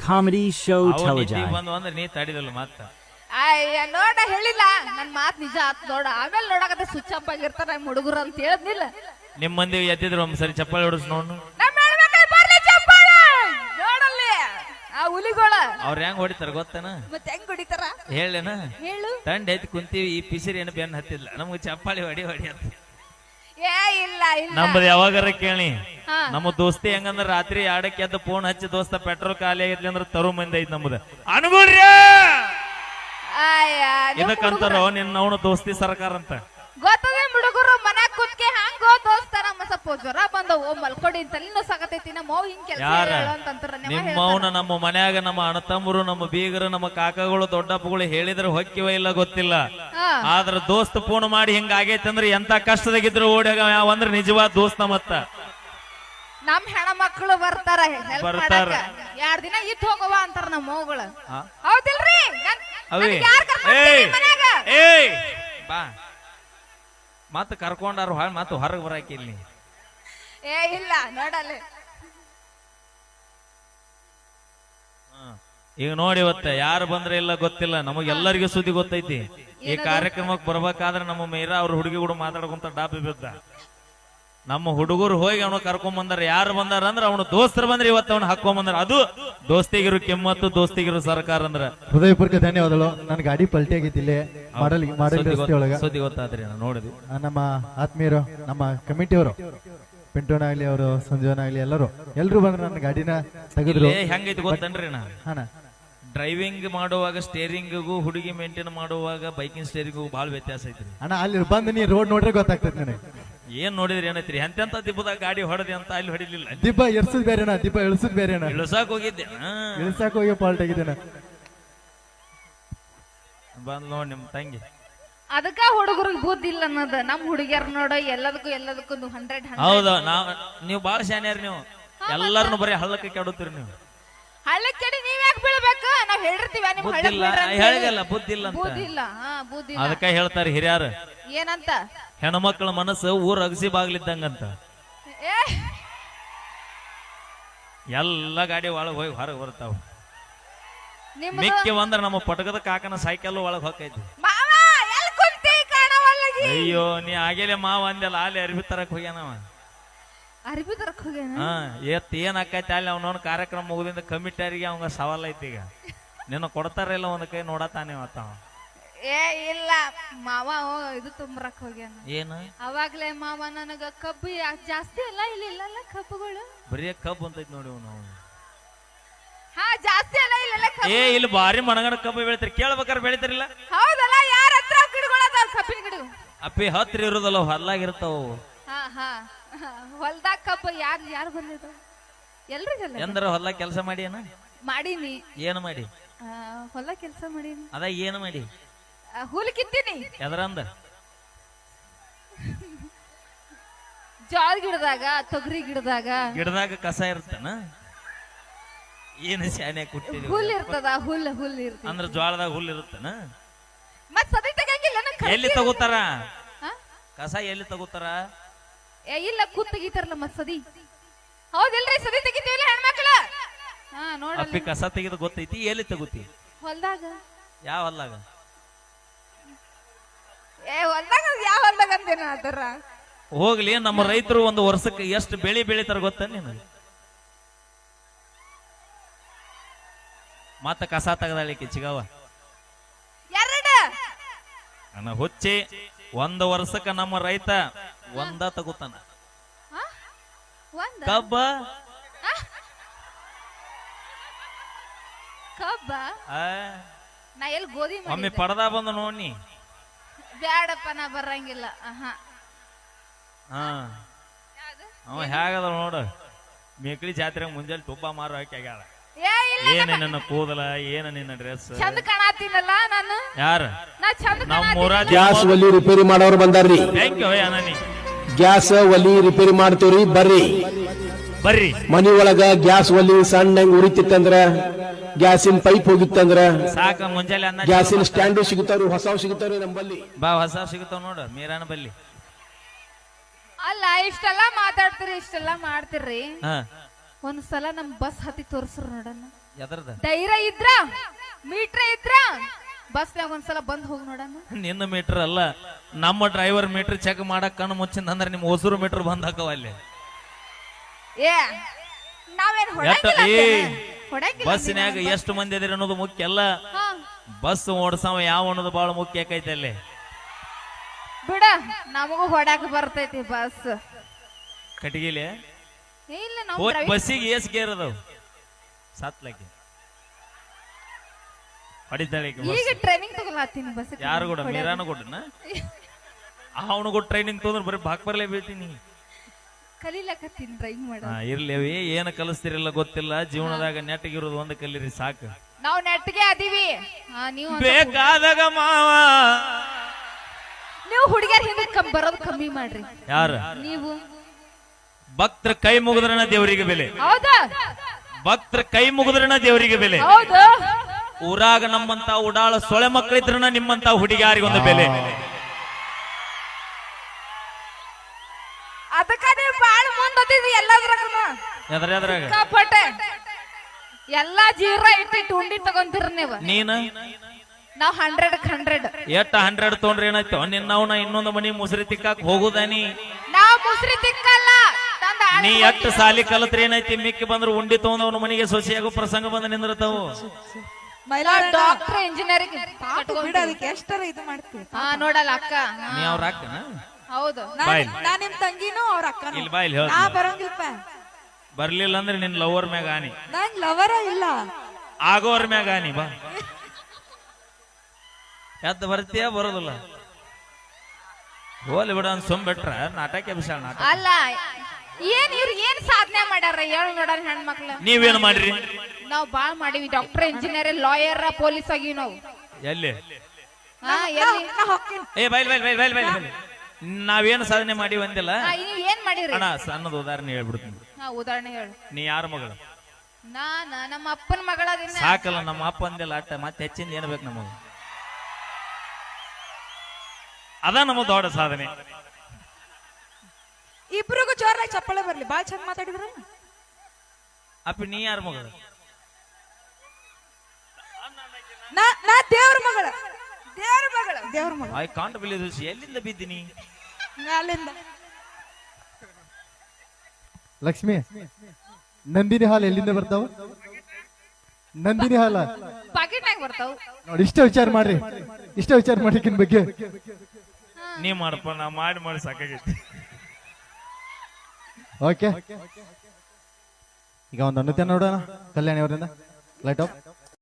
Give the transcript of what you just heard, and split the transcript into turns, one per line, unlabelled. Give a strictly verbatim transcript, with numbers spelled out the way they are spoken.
comedy show
ಅವ ನಿದ್ದಿ
Telegiant.
ಬಂದು ಅಂದ್ರೆ ನೀ ತಡಿದಲ್ಲ ಮತ್ತ
ಅಯ್ಯ ನೋಡ ಹೇಳಿಲ್ಲ ನನ್ ಮಾತ್ ನಿಜ ಆತ್ ನೋಡ ಆಮೇಲೆ ನೋಡಕತ್ತೆ ಸ್ವಿಚ್ ಅಪ್ ಆಗಿರ್ತಾರ ನಮ್ ಹುಡುಗರು ಅಂತ ಹೇಳದ್ನಿಲ್ಲ
ನಿಮ್ ಮಂದಿ ಎದ್ದಿದ್ರು ಒಂದ್ಸರಿ ಚಪ್ಪಾಳಿ ಹೊಡಿಸ್ ನೋಡು
ನಮ್ ಹೆಣ್ಮಕ್ಳು ಬರ್ಲಿ ಚಪ್ಪಾಳೆ ನೋಡಲ್ಲಿ ಆ ಹುಲಿಗೋಳ
ಅವ್ರ ಹೆಂಗ್ ಹೊಡಿತಾರ ಗೊತ್ತೇನ
ಮತ್ತೆ ಹೆಂಗ್ ಹೊಡಿತಾರ
ಹೇಳೇನ
ಹೇಳು
ತಂಡ ಐತಿ ಕುಂತೀವಿ ಈ ಪಿಸಿರಿ ಏನು ಬೆನ್ನ ಹತ್ತಿಲ್ಲ ನಮ್ಗೆ ಚಪ್ಪಾಳಿ ಹೊಡಿ ಹೊಡಿ ಅಂತ
ಏ ಇಲ್ಲ ಇಲ್ಲ
ನಮ್ದು ಯಾವಾಗಾರ ಕೇಳಿ
ಹಾ.
ನಮ್ಮ ದೋಸ್ತಿ ಹೆಂಗಂದ್ರ ರಾತ್ರಿ ಎರಡಕ್ಕೆ ಎದ್ದು ಫೋನ್ ಹಚ್ಚಿ ದೋಸ್ತ ಪೆಟ್ರೋಲ್ ಖಾಲಿ ಆಗೈತಿ ಅಂದ್ರ ತರು ಮಂದಿ ಐತಿ ನಮ್ದು ಅನುಗುಣ್ರಿ
ಅಯ್ಯ
ಇದಕ್ಕಂತಾರ ನಿನ್ನ ಅವನು ದೋಸ್ತಿ ಸರ್ಕಾರ ಅಂತ
ಗೊತ್ತದ ಹುಡುಗರು ಮನ್ಯಾಗ ಕುತ್ಕೆ ಹಂಗ ದೋಸ್ತ ನಮ್ಮ ಸ್ವಲ್ಪ ಜ್ವರ ಬಂದವು ಮಲ್ಕೊಡಿ ತಲೆನೂ ಸಾಕತೈತಿ ನಮ್ಮ ಅವ್ವ ಹಿಂಗ್ ಕೆಲಸ
ಯಾರ
ಅಂತಂತಾರ
ನಿಮ್ಮ ಅವನ ನಮ್ಮ ಮನ್ಯಾಗ ನಮ್ಮ ಅಣ್ಣತಮ್ಮರು ನಮ್ಮ ಬೀಗರು ನಮ್ಮ ಕಾಕಗಳು ದೊಡ್ಡಪ್ಪಗಳು ಹೇಳಿದ್ರೆ ಹೊಕ್ಕಿವ ಇಲ್ಲ ಗೊತ್ತಿಲ್ಲ ಆದ್ರ ದೋಸ್ತ ಫೋನ್ ಮಾಡಿ ಹಿಂಗ ಆಗೈತಿ ಅಂದ್ರೆ ಎಂತ ಕಷ್ಟದಾಗಿದ್ರು ಓಡ್ಯಾಗ ಯಾವ ಅಂದ್ರೆ ನಿಜವಾದ ದೋಸ್ತ ಮತ್ತ
ನಮ್ ಹೆಣ ಮಕ್ಕಳು ಬರ್ತಾರ
ಬರ್ತಾರ.
ಎರಡ್ ದಿನ ಇತ್ ಹೋಗವ ಅಂತಾರ ನಮ್ಮ ಮಗಳು
ಆ?
ಹೌದಿಲ್ರಿ ನನ್-
ಅವೇ
ನನಗ್ ಯಾರ್ ಕರ್ಕೊಂಡ್
ಏಯ್
ಬರ್ತೀರಿ ಮನ್ಯಾಗ?
ಏಯ್ ಬಾ ಮತ್ತ ಕರ್ಕೊಂಡಾರು ಹಾಳ್ ಮತ್ತ ಹೊರಗೆ ಬರಾಕಿಲ್ಲಿ
ಏ ಇಲ್ಲ ನೋಡಲ್ಲ
ಈಗ ನೋಡಿ ಇವತ್ತ ಯಾರು ಬಂದ್ರೆ ಇಲ್ಲ ಗೊತ್ತಿಲ್ಲ ನಮಗೆಲ್ಲರಿಗೂ ಸುದ್ದಿ ಗೊತ್ತೈತಿ ಈ ಕಾರ್ಯಕ್ರಮಕ್ಕೆ ಬರ್ಬೇಕಾದ್ರೆ ನಮ್ಮ ಮೀರಾ ಅವ್ರ ಹುಡುಗಿ ಕೂಡ ಮಾತಾಡ್ಕೊಂತ ಡಾಬಿ ಬಿದ್ದ ನಮ್ಮ ಹುಡುಗರು ಹೋಗಿ ಅವನು ಕರ್ಕೊಂಡ್ ಬಂದಾರ ಯಾರು ಬಂದಾರ ಅಂದ್ರ ಅವನು ದೋಸ್ತರು ಬಂದ್ರೆ ಇವತ್ತು ಅವನು ಹಾಕೊಂಡ್ ಬಂದಾರ ಅದು ದೋಸ್ತಿಗಿರು ಕೆಮ್ಮತ್ತು ದೋಸ್ತಿಗಿರು ಸರ್ಕಾರ ಅಂದ್ರ
ಹೃದಯಪೂರ್ವಕ ಧನ್ಯವಾದಗಳು ನನ್ನ ಗಾಡಿ ಪಲ್ಟಿ ಆಗಿತ್ತು ಇಲ್ಲಿ ಮಾಡಲ್ ಮಾಡಲ್ ರಸ್ತೆ ಒಳಗ
ಸುದ್ದಿ ಗೊತ್ತಾದ್ರಿ ನಾವು ನೋಡಿದ್ವಿ
ಆ, ನಮ್ಮ ಆತ್ಮೀಯರು ನಮ್ಮ ಕಮಿಟಿಯವರು ಪಿಂಟೋನ ಆಗ್ಲಿ ಅವರು ಸಂಜೀವನ ಆಗ್ಲಿ ಎಲ್ಲರೂ ಎಲ್ರು ಬಂದ್ರು ನನ್ನ ಗಾಡಿನ ತೆಗೆದ್ರು
ಇಲ್ಲೇ ಹೆಂಗೈತಿ ಗೊತ್ತನ್ರಿ ನಾ
ಹಾನ
ಡ್ರೈವಿಂಗ್ ಮಾಡುವಾಗ ಸ್ಟೇರಿಂಗಿಗೂ ಹುಡುಗಿ ಮೇಂಟೈನ್ ಮಾಡುವಾಗ ಬೈಕಿಂಗ್ ಸ್ಟೇರಿಂಗಿಗೂ ಬಹಳ ವ್ಯತ್ಯಾಸ ಐತ್ರಿ
ಅಣ್ಣ ಅಲ್ಲಿ ಬಂದು ನೀ ರೋಡ್ ನೋಡ್ರೆ ಗೊತ್ತಾಗ್ತದೆ ನನಗೆ
ಏನ್ ನೋಡಿದ್ರಿ ಏನೈತ್ರಿ ಎಂತೆಂತ ದಿಬ್ಬದಾಗ ಗಾಡಿ ಹೊಡೆದಿ ಅಂತ ಅಲ್ಲಿ ಹೊಡಿಲಿಲ್ಲ
ದಿಬ್ಬ ಎರ್ಸದ್ ಬೇರೆ ಅಣ್ಣ ದಿಬ್ಬ ಇಳಿಸದ್ ಬೇರೆ ಅಣ್ಣ
ಇಳಿಸಾಕ್ ಹೋಗಿದ್ದೆ
ಇಳಿಸಾಕ ಹೋಗಿ ಪಾಲ್ಟ್ ಆಗಿದ್ದೇನೆ
ಬಂದ್ ನೋಡ್ ನಿಮ್ ತಂಗಿ
ಅದಕ್ಕ ಹುಡುಗರಿಗೆ ಬುದ್ಧಿ ಇಲ್ಲ ಅನ್ನೋದು ನಮ್ ಹುಡುಗಿಯರ್ ನೋಡ ಎಲ್ಲದಕ್ಕೂ ಎಲ್ಲದಕ್ಕೂ ಹಂಡ್ರೆಡ್
ಹೌದು ನಾವ್ ನೀವು ಬಾಳ ಶಾನ್ಯಾರ ನೀವು ಎಲ್ಲಾರನು ಬರೀ ಹಳ್ಳಕ್ಕೆ ಕೆಡುತ್ತೀರಿ ನೀವು
ಹಳ್ಳಕ್ಕೆಡಿ ನೀವ್ ಯಾಕೆ ಬೀಳ್ಬೇಕು ನಾವ್ ಹೇಳಿರ್ತೀವಿ ನಿಮ್ ಹಳ್ಳಕ್
ಬುದ್ಧಿಲ್ಲ
ಬೀಳ್ರಿ ಅಂತ ಹೇಳಿ.
ಹೇಳಿಗಲ್ಲ ಬುದ್ಧಿಲ್ಲ ಅಂತ
ಬುದ್ಧಿ ಇಲ್ಲ ಹಾ ಬುದ್ಧಿ ಇಲ್ಲ
ಅದಕ್ಕ ಹೇಳ್ತಾರೆ ಹಿರಿಯರು
ಏನಂತ
ಹೆಣ್ಮಕ್ಳ ಮನಸ್ಸು ಊರ್ ಅಗಸಿ ಬಾಗ್ಲಿದ್ದಂಗಂತ
ಏ
ಎಲ್ಲ ಗಾಡಿ ಒಳಗ್ ಹೋಗಿ ಹೊರಗೆ ಬರ್ತಾವ
ನಿಮ್ದು
ಮಿಕ್ಕಿ ಒಂದ್ರ ನಮ್ಮ ಪಟಕದ ಕಾಕನ ಸೈಕಲ್ ಒಳಗ್ ಹೋಗೈತಿ
ಮಾವ ಎಲ್ ಕುಂತಿ ಕಾಣವಲ್ಲಗಿ
ಅಯ್ಯೋ ನೀ ಆಗೇಲೆ ಮಾವ ಅಂದೆಲ್ಲ ಅಲ್ಲಿ ಅರ್ಬಿ ತರಕ್ ಹೋಗ್ಯಾನವ
ಅರ್ಬಿ ತರಕ್ ಹೋಗ್ಯಾನ
ಹಾ ಎತ್ ಏನ್ ಆಕೈತಿ ಅಲ್ಲಿ ಅವನವನ್ ಕಾರ್ಯಕ್ರಮ ಮುಗಿದಿಂದ ಕಮಿಟಿಯರಿಗೆ ಅವಂಗ ಸವಾಲ್ ಐತಿ ಈಗ ನಿನ್ನ ಕೊಡ್ತಾರ ಇಲ್ಲ ಒಂದ್ ಕೈ ನೋಡತಾನೆ ಮತ್ತ
ಏ ಇಲ್ಲ ಮಾವ ಓ, ಇದು ತುಂಬರಕ್ ಹೋಗ್ಯಾನ
ಏನು
ಅವಾಗ್ಲೇ ಮಾವ ನನಗ ಕಬ್ಬು ಯಾ- ಜಾಸ್ತಿ ಅಲ್ಲ ಇಲ್ಲಿ ಇಲ್ಲಲ್ಲ ಕಬ್ಬುಗಳು
ಬರೀ ಕಬ್ಬು ಅಂತೈತಿ ನೋಡಿ ನಾವು
ಹಾ ಜಾಸ್ತಿ ಅಲ್ಲ ಇಲ್ಲೆಲ್ಲ ಕಬ್ಬು
ಏ ಇಲ್ಲಿ ಬಾರಿ ಮಣಗಣ ಕಬ್ಬು ಬೆಳಿತಾರ ಕೇಳ್ಬೇಕಾರೆ ಬೆಳಿತಾರಿಲ್ಲ
ಹೌದಲ್ಲ ಯಾರ ಹತ್ರ ಗಿಡಗಳು ಅದಾವ ಕಬ್ಬಿನ ಗಿಡ
ಅಪ್ಪಿ ಹತ್ರ ಇರೋದಲ್ಲ ಹೊಲ್ಲಾಗಿರ್ತಾವ
ಹಾ ಹಾ ಹೊಲ್ದಾಗ ಕಬ್ಬು ಯಾರು ಯಾರು ಬಂದಿದ್ದು ಎಲ್ರಿಗಲ್ಲ
ಎಂದ್ರ ಹೊಲ ಕೆಲಸ ಮಾಡಿ ಏನ
ಮಾಡೀನಿ
ಏನು ಮಾಡಿ
ಆ, ಹೊಲ ಕೆಲಸ ಮಾಡೀನಿ
ಅದ ಏನು ಮಾಡಿ
ಆ, ಹುಲ್ ಕಿತ್ತೀನಿ
ಎದ್ರಂದ
ಜೋಳ ಗಿಡದಾಗ ತೊಗರಿ ಗಿಡದಾಗ
ಗಿಡದಾಗ ಕಸ ಇರ್ತಾನ ಏನು ಶಾನೆ ಕುಟ್ಟಿದ್ವಿ
ಹುಲ್ ಇರ್ತದ ಹುಲ್ ಹುಲ್ ಇರ್ತದ
ಅಂದ್ರ ಜ್ವಾಳದಾಗ ಹುಲ್ ಇರುತ್ತನ
ಮತ್ ಸದಿ ತೆಗಂಗಿಲ್ಲ ನಂಗ್ ಖರ್ಚು
ಎಲ್ಲಿ ತಗೋತಾರ
ಹಾ?
ಕಸ ಎಲ್ಲಿ ತಗೋತಾರ
ಏ ಇಲ್ಲ ಕೂತ್ ತೆಗಿತಾರಲ್ಲ ಮತ್ ಸದಿ ಹೌದಿಲ್ರಿ ಸದಿ ತೆಗಿತೀವಿಲ್ಲ ಹೆಣ್ಮಕ್ಳ ಹಾ ನೋಡಲ್ಲ
ಅಪ್ಪಿ ಕಸ ತೆಗೆದು ಗೊತ್ತೈತಿ ಎಲ್ಲಿ ತಗೋತಿ
ಹೊಲ್ದಾಗ
ಯಾವ ಹೊಲ್ದಾಗ
ಏ ಹೊಲ್ದಾಗ ಯಾವ ಹೊಲ್ದಾಗ ಅಂತೇನ ಅದರ
ಹೋಗ್ಲಿ ನಮ್ಮ ರೈತರು ಒಂದು ವರ್ಷಕ್ಕೆ ಎಷ್ಟು ಬೆಳಿ ಬೆಳಿತಾರ ಗೊತ್ತ ನೀನು ಮತ್ತ ಕಸ ತೆಗದಾಳಿಕೆ ಚಿಗವ
ಎರಡ
ನನ್ನ ಹುಚ್ಚಿ ಒಂದು ವರ್ಷಕ್ಕ ನಮ್ಮ ರೈತ ಒಂದ ತಗೋತಾನ
ಹಾ? ಒಂದ
ಕಬ್ಬ
ಕಬ್ಬ
ಆ,
ನಾ ಎಲ್ಲಿ ಗೋಧಿ
ಒಮ್ಮೆ
ಮಾಡಿದ್ದೆ
ಪಡದ ಬಂದ ನೋಡಿ
ಬ್ಯಾಡಪ್ಪ ನಾ ಬರಂಗಿಲ್ಲ ಆಹಾ
ಹಾ
ಯಾವ್ದು?
ಅವ ಹೇಗದ ನೋಡು ಮೇಕಳಿ ಜಾತ್ರೆ ಮುಂಜಾನೆ ತುಪ್ಪ ಮಾರು ಹಾಕಿ ಆಗ್ಯಾಳ
ಏ ಇಲ್ಲ
ಏನ ನಿನ್ನ ಕೂದಲ ಏನ ನಿನ್ನ ಡ್ರೆಸ್
ಚಂದ ಕಾಣತೀನಲ್ಲ ನಾನು
ಯಾರ
ನಾ ಚಂದ
ನಮ್ಮ ಊರ
ಗ್ಯಾಸ್ ಒಲಿ ರಿಪೇರಿ ಮಾಡೋರು ಬಂದಾರ್ರಿ
ಥ್ಯಾಂಕ್ ಯು ಅನನಿ
ಗ್ಯಾಸ್ ಒಲಿ ರಿಪೇರಿ ಮಾಡ್ತೀವ್ರಿ ಬರ್ರಿ
ಬರ್ರಿ
ಮನಿ ಒಳಗ ಗ್ಯಾಸ್ ಒಲಿ ಸಣ್ಣ ಉರಿತಿತ್ತಂದ್ರ ಗ್ಯಾಸಿನ ಪೈಪ್ ಹೋಗಿತ್ತಂದ್ರ
ಸಾಕ ಮುಂಜಾನೆ ಅನ್ನ
ಗ್ಯಾಸಿನ ಸ್ಟ್ಯಾಂಡು ಸಿಗುತ್ತಾರು ಹೊಸವು ಸಿಗುತ್ತಾರು ನಮ್ಮಲ್ಲಿ
ಬಾ ಹೊಸ ಸಿಗುತ್ತಾವ ನೋಡು ಮೀರಾನ ಬಲ್ಲಿ
ಅಲ್ಲ ಇಷ್ಟೆಲ್ಲ ಮಾತಾಡ್ತೀರಿ ಇಷ್ಟೆಲ್ಲ ಮಾಡ್ತೀರಿ
ಹಾ
ಒಂದ್ಸಲ ನಮ್ ಬಸ್ ಹತ್ತಿ ತೋರ್ಸ್ರು ನೋಡಣ
ಎದರ್ದ
ಧೈರ್ಯ ಇದ್ರ ಮೀಟ್ರ್ ಇದ್ರ ಬಸ್ನಾಗ ಒಂದ್ಸಲ ಬಂದ್ ಹೋಗಿ ನೋಡಣ.
ನಿನ್ನ ಮೀಟರ್ ಅಲ್ಲ, ನಮ್ಮ ಡ್ರೈವರ್ ಮೀಟರ್ ಚೆಕ್ ಮಾಡಕ್ ಕಣ್ಣು ಮುಚ್ಚಿಂದ ಅಂದ್ರೆ ನಿಮ್ ಹೊಸರು ಮೀಟರ್ ಬಂದ್ ಹಾಕವ ಅಲ್ಲಿ.
ಏ ನಾವೇನ್
ಎಷ್ಟ
ಹೊಡಂಗಿಲ್ಲ
ಏ
ಅಂತೇನ? ಹೊಡಂಗಿಲ್ಲ
ಬಸ್ನ್ಯಾಗ
ಅಂತೀನ.
ಎಷ್ಟು ಮಂದಿ ಅದಿರಿ ಅನ್ನೋದು ಮುಖ್ಯ ಅಲ್ಲ,
ಹಾ,
ಬಸ್ ಓಡ್ಸವ ಯಾವ ಅನ್ನೋದು ಬಹಳ ಮುಖ್ಯ ಆಕೈತೆ ಅಲ್ಲಿ.
ಬಿಡ ನಮಗೂ ಹೊಡಾಕ ಬರ್ತೈತಿ ಬಸ್.
ಕಟಗಿಲೆ
ಇಲ್ಲ ನಾವು
ಹೋಗಿ
driving-
ಬಸ್ಸಿಗೆ ಏಸ್ ಗೇರ್ ಅದಾವ ಸಾತ್ಲಾಕಿ ಹೊಡಿತಾಳೆ ಈಕಿ ಬಸ್.
ಈಗ ಟ್ರೈನಿಂಗ್ ತಗೊಳತ್ತೀನಿ ಬಸ್.
ಯಾರು ಕೂಡ ಮೀರಾನು ಕೊಟ್ಟನ ಅವನು ಕೂಡ ಟ್ರೈನಿಂಗ್ ತೊಂದ್ರೆ ಬರೀ ಬಾಕ್ ಬರ್ಲೇ ಬೀಳ್ತೀನಿ.
ಕಲೀಲಕತ್ತೀನಿ ಡ್ರೈವಿಂಗ್ ಮಾಡ.
ಹಾ ಇರ್ಲೇವಿ ಏನ್ ಕಲಿಸ್ತಿರಲ್ಲ ಗೊತ್ತಿಲ್ಲ, ಜೀವನದಾಗ ನೆಟ್ಟಗಿರೋದು ಒಂದ್ ಕಲೀರಿ ಸಾಕು.
ನಾವು ನೆಟ್ಗೆ ಅದೀವಿ. ಹಾ, ನೀವು ಒಂದ್ ಸ್ವಲ್ಪ-
ಬೇಕಾದಾಗ ಮಾವ
ನೀವು ಹುಡುಗಿಯರ್ ಹಿಂದೆ ಕಮ್ ಬರೋದು ಕಮ್ಮಿ ಮಾಡ್ರಿ.
ಯಾರ
ನೀವು
ಭಕ್ತರ ಕೈ ಮುಗಿದ್ರನ ದೇವರಿಗೆ ಬೆಲೆ,
ಹೌದಾ?
ಭಕ್ತರ ಕೈ ಮುಗಿದ್ರನ ದೇವರಿಗೆ ಬೆಲೆ.
ಹೌದು.
ಊರಾಗ ನಮ್ಮಂತ ಉಡಾಳ ಸೊಳೆ ಮಕ್ಕಳಿದ್ರನ ನಿಮ್ಮಂತ ಹುಡುಗಿಯಾರಿಗೊಂದು ಬೆಲೆ.
ಅದಕ್ಕ ನೀವು ಬಾಳ ಮುಂದಿದ್ರಿ ಎಲ್ಲದ್ರಾಗನು.
ಎದ್ರ ಎದ್ರಾಗ
ಕಪಟೆ ಎಲ್ಲಾ ಜೀರ ಇಟ್ಟಿಟ್ಟು ಉಂಡಿ ತಗೊಂತೀರ ನೀವು.
ನೀನ
ನಾವ್ ಹಂಡ್ರೆಡ್ ಹಂಡ್ರೆಡ್
ಎಷ್ಟ ಹಂಡ್ರೆಡ್ ತೊಗೊಂಡ್ರೆ ಏನಾಯ್ತು ನಿನ್ನವನ ಇನ್ನೊಂದು ಮನಿ ಮುಸ್ರಿ ತಿಕ್ಕಾಕ್ ಹೋಗುದಾನಿ.
ನಾವ್ ಮುಸ್ರಿ ತಿಕ್ಕಲ್ಲ ತಂದ ಆಳ್
ನೀ ಎಷ್ಟ ಸಾಲಿ ಕಲತ್ರ ಏನೈತಿ, ಮಿಕ್ಕಿ ಬಂದ್ರು ಉಂಡಿ ತಗೊಂಡವನ ಮನಿಗೆ ಸೊಸೆಯಾಗೋ ಪ್ರಸಂಗ ಬಂದ ನಿಂದಿರ್ತಾವು.
ಡಾಕ್ಟರ್ ಇಂಜಿನಿಯರಿಂಗ್
ಬಿಡ ಅದಕ್ಕೆ ಎಷ್ಟರ ಇದು ಮಾಡ್ತೀವಿ.
ಹಾ ನೋಡಲ್ಲ ಅಕ್ಕ. ಹಾ,
ನೀ ಅವ್ರ ಅಕ್ಕನ
ಹೌದು.
ಬಾಯ್
ನಾ ನಿಮ್ ತಂಗಿನೂ ಅವ್ರ ಅಕ್ಕನೂ.
ಇಲ್ಲಿ ಬಾಯ್ಲಿ ಹೇಳ,
ನಾ ಬರಂಗಿಲ್ಪ.
ಬರ್ಲಿಲ್ಲ ಅಂದ್ರೆ ನಿನ್ ಲವರ್ ಮ್ಯಾಗ ಆನಿ,
ನಂಗ್ ಲವರ ಇಲ್ಲ.
ಆಗೋರ್ ಮ್ಯಾಗ ಆನಿ. ಬಾ ಎದ್ದು ಬರ್ತೀಯ ಬರೋದಿಲ್ಲ, ಹೋಲಿ ಬಿಡ ಅಂತ ಸುಮ್ ಬಿಟ್ರ ನಾಟಕ ವಿಶಾಲ ನಾಟಕ.
ಅಲ್ಲ ಏನ್ ಇವ್ರು ಏನ್ ಸಾಧನೆ ಮಾಡ್ಯಾರ ಹೇಳು ನೋಡೋಣ ಹೆಣ್ಮಕ್ಳು.
ನೀವೇನ್ ಮಾಡ್ರಿ?
ನಾವ್ ಬಾಳ್ ಮಾಡಿವಿ. ಡಾಕ್ಟರ್ ಇಂಜಿನಿಯರ್ ಲಾಯರ್ ಪೊಲೀಸ್ ಆಗಿವಿ ನಾವು.
ಎಲ್ಲಿ
ಹಾ, ಎಲ್ಲಿ?
ನಾ ಹೋಗ್ತೀನಿ.
ಏ ಬೈಲ್ ಬೈಲ್ ಬೈಲ್ ಬೈಲ್ ಬೈಲ್ ಬೈಲ್ ನಾವೇನು ಸಾಧನೆ ಮಾಡಿ ಒಂದಿಲ್ಲ
ಹಾ, ನೀವ್ ಏನ್ ಮಾಡಿರಿ?
ಅಣ್ಣ. ಸಣ್ಣದ ಉದಾಹರಣೆ ಹೇಳ್ಬಿಡ್ತೀನಿ.
ಹಾ, ಉದಾಹರಣೆ ಹೇಳು.
ನೀ ಯಾರ ಮಗಳು?
ನಾನ ನಮ್ಮ ಅಪ್ಪನ ಮಗಳದಿನ.
ಸಾಕಲ್ಲ, ನಮ್ಮ ಅಪ್ಪ ಅಂದಿಲ್ಲ ಅಟ್ಟ, ಮತ್ತೆ ಹೆಚ್ಚಿಂದ ಏನ್ ಬೇಕು ನಮಗ? ಅದ ನಮ್ಮ ದೊಡ್ಡ ಸಾಧನೆ.
ಇಬ್ರಿಗೂ ಜೋರಾಗಿ ಚಪ್ಪಳೆ ಬರ್ಲಿ. ಬಾಳ್ ಚಂದ ಮಾತಾಡಿದ್ರ.
ಅಪ್ಪಿ ನೀ ಯಾರ ಮಗಳು?
ನಾ ನಾ ದೇವ್ರ ಮಗಳ. ದೇವ್ರ ಮಗಳ. ದೇವ್ರ ಮಗಳ.
I can't believe this. ಎಲ್ಲಿಂದ ಬಿದ್ದೀನಿ?
ಅಲ್ಲಿಂದ.
ಲಕ್ಷ್ಮಿ, ನಂದಿನಿ ಹಾಲು ಎಲ್ಲಿಂದ ಬರ್ತಾವ? ನಂದಿನಿ ಹಾಲ
ಪಾಕೆಟ್ನಾಗ ಬರ್ತಾವ.
ನೋಡಿ, ಇಷ್ಟ ವಿಚಾರ ಮಾಡ್ರಿ, ಇಷ್ಟ ವಿಚಾರ ಮಾಡಿಕಿನ್ ಬಗ್ಗೆ.
ನೀ ಮಾಡಪ್ಪ, ನಾ ಮಾಡಿ ಮಾಡಿ ಸಾಕಾಗೈತಿ.
ಓಕೆ, ಈಗ ಒಂದು ಅನುತ್ಯ ನೋಡೋಣ ಕಲ್ಯಾಣಿ ಅವರಿಂದ. Light of.